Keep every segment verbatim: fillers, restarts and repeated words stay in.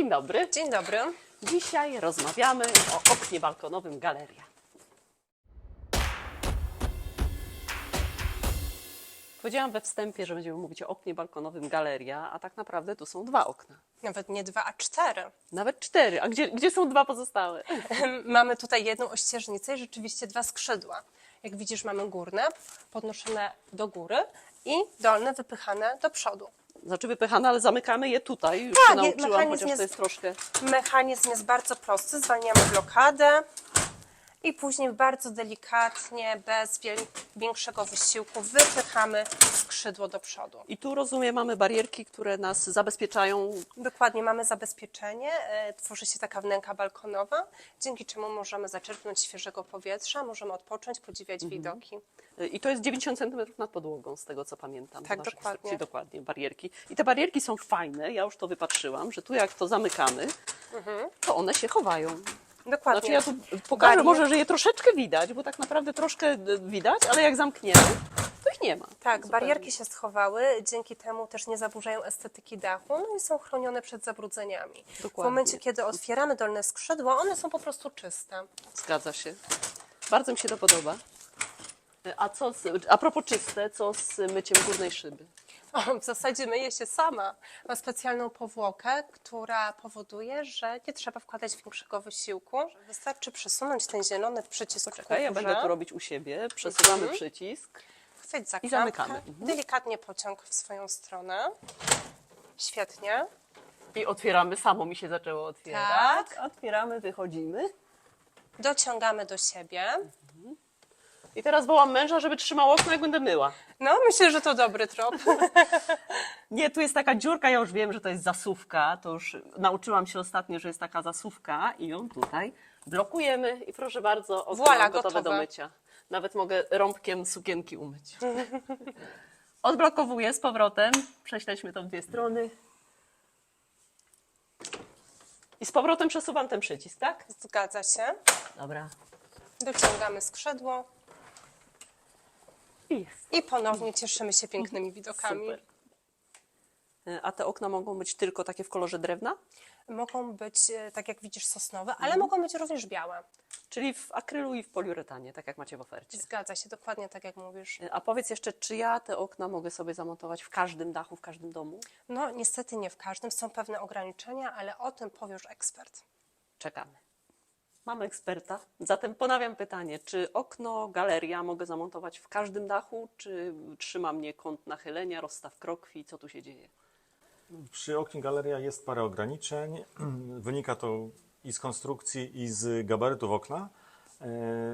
Dzień dobry. Dzień dobry. Dzisiaj rozmawiamy o oknie balkonowym Galeria. Powiedziałam we wstępie, że będziemy mówić o oknie balkonowym Galeria, a tak naprawdę tu są dwa okna. Nawet nie dwa, a cztery. Nawet cztery. A gdzie, gdzie są dwa pozostałe? Mamy tutaj jedną ościeżnicę i rzeczywiście dwa skrzydła. Jak widzisz, mamy górne, podnoszone do góry i dolne wypychane do przodu. Znaczy wypychane, ale zamykamy je tutaj. Już Tak, się nauczyłam, mechanizm chociaż jest- to jest troszkę... Mechanizm jest bardzo prosty, zwalniamy blokadę i później bardzo delikatnie, bez wiel- większego wysiłku wypychamy skrzydło do przodu. I tu rozumiem, mamy barierki, które nas zabezpieczają. Dokładnie, mamy zabezpieczenie, e, tworzy się taka wnęka balkonowa, dzięki czemu możemy zaczerpnąć świeżego powietrza, możemy odpocząć, podziwiać Mhm. widoki. I to jest dziewięćdziesiąt centymetrów nad podłogą, z tego co pamiętam. Tak, z naszych dokładnie. instrukcji. Dokładnie, barierki. I te barierki są fajne, ja już to wypatrzyłam, że tu jak to zamykamy, to one się chowają. Dokładnie. Znaczy ja tu pokażę Barier- może, że je troszeczkę widać, bo tak naprawdę troszkę widać, ale jak zamkniemy, to ich nie ma. Tak, Zupełnie. barierki się schowały, dzięki temu też nie zaburzają estetyki dachu, no i są chronione przed zabrudzeniami. W Dokładnie. momencie, kiedy otwieramy dolne skrzydła, one są po prostu czyste. Zgadza się. Bardzo mi się to podoba. A co z, a propos czyste, co z myciem górnej szyby? O, w zasadzie myje się sama. Ma specjalną powłokę, która powoduje, że nie trzeba wkładać większego wysiłku. Wystarczy przesunąć ten zielony przycisk Czekaj, ja ku górze, będę to robić u siebie. Przesuwamy Mhm. przycisk. chwyć za i klamkę, zamykamy. Mhm. delikatnie pociąg w swoją stronę. Świetnie. I otwieramy, samo mi się zaczęło otwierać. Tak. Otwieramy, wychodzimy. Dociągamy do siebie. I teraz wołam męża, żeby trzymał okno, jak będę myła. No, myślę, że to dobry trop. Nie, tu jest taka dziurka, ja już wiem, że to jest zasuwka. To już nauczyłam się ostatnio, że jest taka zasuwka i ją tutaj blokujemy. I proszę bardzo, okno Voilà, gotowe gotowe. do mycia. Nawet mogę rąbkiem sukienki umyć. Odblokowuję z powrotem. Prześledźmy to w dwie strony. I z powrotem przesuwam ten przycisk, tak? Zgadza się. Dobra. Dociągamy skrzydło I jest. i ponownie cieszymy się pięknymi widokami. Super. A te okna mogą być tylko takie w kolorze drewna? Mogą być, e, tak jak widzisz, sosnowe, ale mogą być również białe. Czyli w akrylu i w poliuretanie, tak jak macie w ofercie. Zgadza się, dokładnie tak jak mówisz. A powiedz jeszcze, czy ja te okna mogę sobie zamontować w każdym dachu, w każdym domu? No niestety nie w każdym, są pewne ograniczenia, ale o tym powie już ekspert. Czekamy. Mamy eksperta. Zatem ponawiam pytanie, czy okno Galeria mogę zamontować w każdym dachu, czy trzyma mnie kąt nachylenia, rozstaw krokwi, co tu się dzieje? Przy oknie Galeria jest parę ograniczeń. Wynika to i z konstrukcji, i z gabarytów okna, e,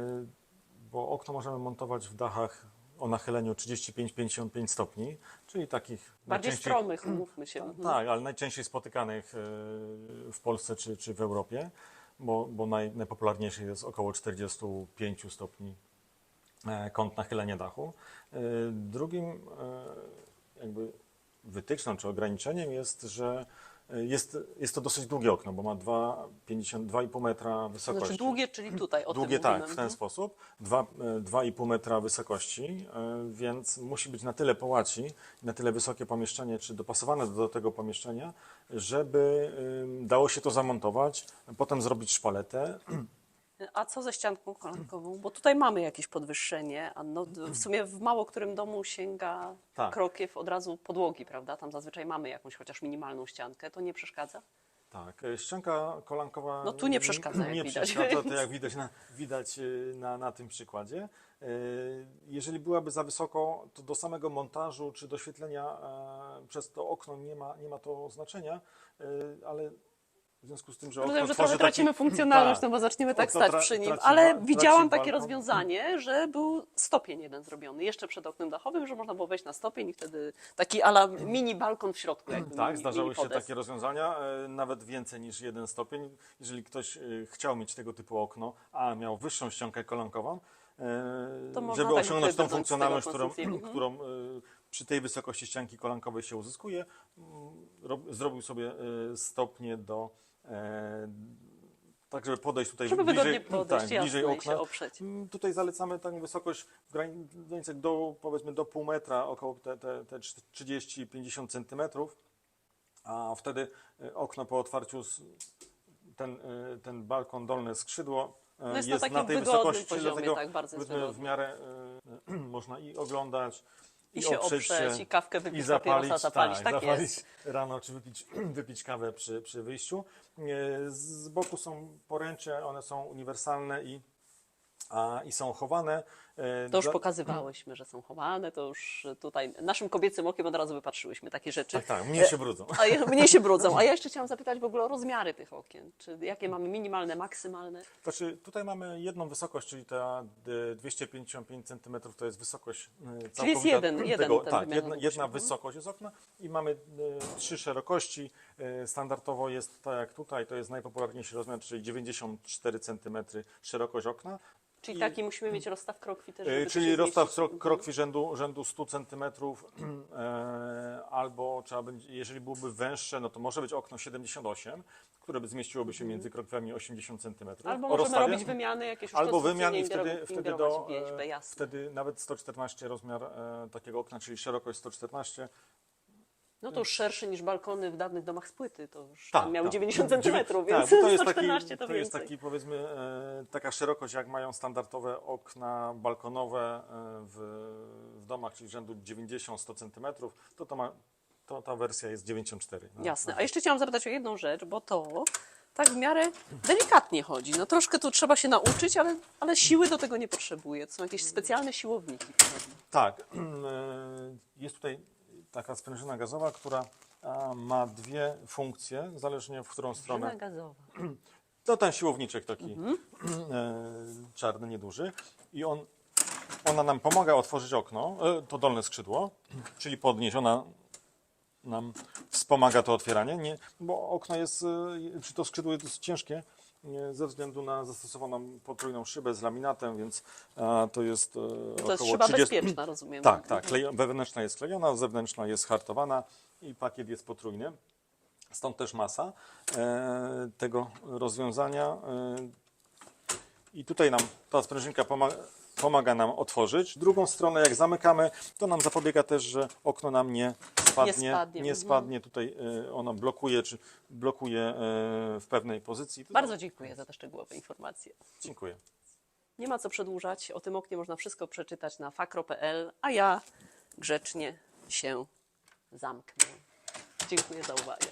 bo okno możemy montować w dachach o nachyleniu trzydzieści pięć do pięćdziesięciu pięciu stopni, czyli takich Bardziej najczęściej- stromych, umówmy się. Mhm. Tak, ale najczęściej spotykanych e, w Polsce czy, czy w Europie, bo, bo naj, najpopularniejszy jest około czterdziestu pięciu stopni e, kąt nachylenia dachu. E, Drugim e, jakby wytyczną czy ograniczeniem jest, że jest, jest to dosyć długie okno, bo ma dwa i pół metra wysokości. Znaczy długie, czyli tutaj, o Długie tym tak, mówimy. w ten sposób. dwa i pół metra wysokości, e, więc musi być na tyle połaci, na tyle wysokie pomieszczenie, czy dopasowane do tego pomieszczenia, żeby ym, dało się to zamontować, potem zrobić szpaletę. A co ze ścianką kolankową? Bo tutaj mamy jakieś podwyższenie, a no, w sumie w mało którym domu sięga Tak. krokiew od razu podłogi, prawda? Tam zazwyczaj mamy jakąś chociaż minimalną ściankę. To nie przeszkadza? Tak, e, ścianka kolankowa... No tu nie przeszkadza, jak nie widać. przeszkadza, to jak widać na, widać y, na, na tym przykładzie. Y, Jeżeli byłaby za wysoko, to do samego montażu czy doświetlenia e, przez to okno nie ma, nie ma to znaczenia, y, ale w związku z tym, że okno Rozumiem, że tworzy trochę tracimy taki, funkcjonalność, tak, no bo zaczniemy tak okno stać tra- przy nim. traci Ale ba- widziałam traci takie balkon. rozwiązanie, że był stopień jeden zrobiony, jeszcze przed oknem dachowym, że można było wejść na stopień i wtedy taki ala mini balkon w środku. Jakby Tak, mini, zdarzały mini się podest. takie rozwiązania, e, nawet więcej niż jeden stopień. Jeżeli ktoś e, chciał mieć tego typu okno, a miał wyższą ściankę kolankową, e, To można żeby tak osiągnąć tą wybrnąć z funkcjonalność, tego którą, konstrukcji. Mhm. którą e, przy tej wysokości ścianki kolankowej się uzyskuje, mm, rob, zrobił sobie e, stopnie do, e, tak żeby podejść tutaj Żeby bliżej, wygodnie podejść, tak, jasne, bliżej i okna. się oprzeć. Mm, Tutaj zalecamy taką wysokość w granicach do, powiedzmy, do pół metra, około te, te, te trzydzieści do pięćdziesięciu centymetrów. a wtedy e, okno po otwarciu, z- ten, e, ten balkon, dolne skrzydło e, No jest jest, na takim na tej wygodnym wysokości, poziomie, dlatego tak, bardzo jest powiedzmy, w wygodny. miarę e, można i oglądać, I, i się oprzeć oprzeć, się, i kawkę wypić, i zapalić, papierosa zapalić, tak, zapalić jest. rano, czy wypić, wypić kawę przy, przy wyjściu. E, Z boku są poręcze, one są uniwersalne i, a, i są chowane. E, To już dla- pokazywałyśmy, że są chowane, to już tutaj naszym kobiecym okiem od razu wypatrzyłyśmy takie rzeczy. Tak, tak, mnie się brudzą. A ja, mnie się brudzą. A ja jeszcze chciałam zapytać w ogóle o rozmiary tych okien. Czy jakie mamy minimalne, maksymalne? Znaczy, tutaj mamy jedną wysokość, czyli ta e, dwieście pięćdziesiąt pięć centymetrów to jest wysokość e, całkowita jeden- jeden tego, ten tak, wymiar jedna, długości. jedna Mhm. wysokość jest okna i mamy e, trzy szerokości. E, standardowo jest tak jak tutaj, to jest najpopularniejszy rozmiar, czyli dziewięćdziesiąt cztery centymetry szerokość okna. Czyli I- taki musimy mieć rozstaw krokwi też, E, żeby to Czyli się rozstaw zmieścić. krok, krokwi rzędu, rzędu stu centymetrów, e, albo trzeba będzie, jeżeli byłoby węższe, no to może być okno siedemdziesiąt osiem, które by zmieściłoby się między krokwami osiemdziesiąt centymetrów. Albo O możemy rozstawie. robić wymiany jakieś już Albo wymian i konstrukcyjnie wtedy, ingerować- wtedy, ingerować do, w wieźbę, e, jasne. wtedy nawet sto czternaście rozmiar e, takiego okna, czyli szerokość sto czternaście. No to już szerszy niż balkony w dawnych domach z płyty, to już Tak, tam miały tak. dziewięćdziesiąt centymetrów, Tak, więc bo to jest, sto taki, czternaście to, to jest więcej. taki powiedzmy e, taka szerokość, jak mają standardowe okna balkonowe e, w, w domach, czyli rzędu dziewięćdziesiąt do stu centymetrów, to, to, ma, to ta wersja jest dziewięćdziesiąt cztery. No, Jasne. no. A jeszcze chciałam zapytać o jedną rzecz, bo to tak w miarę delikatnie chodzi. No troszkę tu trzeba się nauczyć, ale, ale siły do tego nie potrzebuje. To są jakieś specjalne siłowniki. podobno. Tak, e, jest tutaj taka sprężyna gazowa, która a, ma dwie funkcje, zależnie w którą stronę. Żyna gazowa. To ten siłowniczek taki Mhm. e, czarny, nieduży. I on, ona nam pomaga otworzyć okno, e, to dolne skrzydło, czyli podnieść. Ona nam wspomaga to otwieranie, nie, bo okno jest, e, czy to skrzydło jest dosyć ciężkie, nie, ze względu na zastosowaną potrójną szybę z laminatem, więc a, to jest e, To jest około szyba trzydzieści. bezpieczna, rozumiem. Tak, tak. Klejo, wewnętrzna jest klejona, zewnętrzna jest hartowana i pakiet jest potrójny. Stąd też masa e, tego rozwiązania. E, I tutaj nam ta sprężynka pomaga, pomaga nam otworzyć. Drugą stronę, jak zamykamy, to nam zapobiega też, że okno nam nie spadnie. Nie spadnie, Nie mhm. spadnie. Tutaj e, ono blokuje, czy blokuje e, w pewnej pozycji. To Bardzo dziękuję za te szczegółowe informacje. Dziękuję. Nie ma co przedłużać. O tym oknie można wszystko przeczytać na fakro kropka p l, a ja grzecznie się zamknę. Dziękuję za uwagę.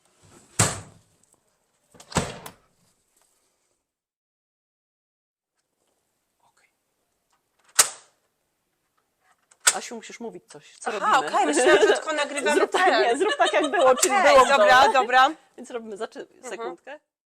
Asiu, musisz mówić coś. Co Aha, robimy? okej, myślałam, że tylko nagrywamy Zrób tak, ten. nie, zrób tak jak było, czyli Okej, było w dobra, domu. dobra. Więc robimy, zaczy... sekundkę.